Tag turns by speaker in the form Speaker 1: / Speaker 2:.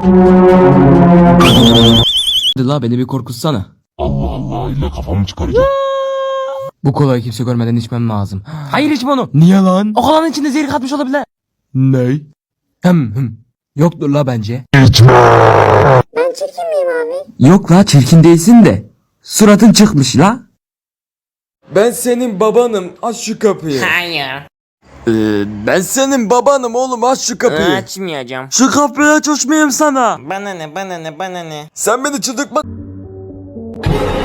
Speaker 1: Hadi la beni bir korkutsana.
Speaker 2: Allah Allah, illa kafamı çıkaracağım.
Speaker 1: Bu kolayı kimse görmeden içmem lazım. Hayır içme onu. Niye lan? O kolanın içinde zehir katmış olabilir. Ne? Yoktur la bence.
Speaker 3: Ben çirkin miyim abi?
Speaker 1: Yok la çirkin değilsin de. Suratın çıkmış la. Ben senin babanım. Aç şu kapıyı.
Speaker 4: Hayır.
Speaker 1: Ben senin babanım oğlum. Aç şu kapıyı.
Speaker 4: Açmayacağım.
Speaker 1: Şu kapıyı aç, uçmayayım sana.
Speaker 4: Bana ne bana ne bana ne.
Speaker 1: Sen beni çıldırtma.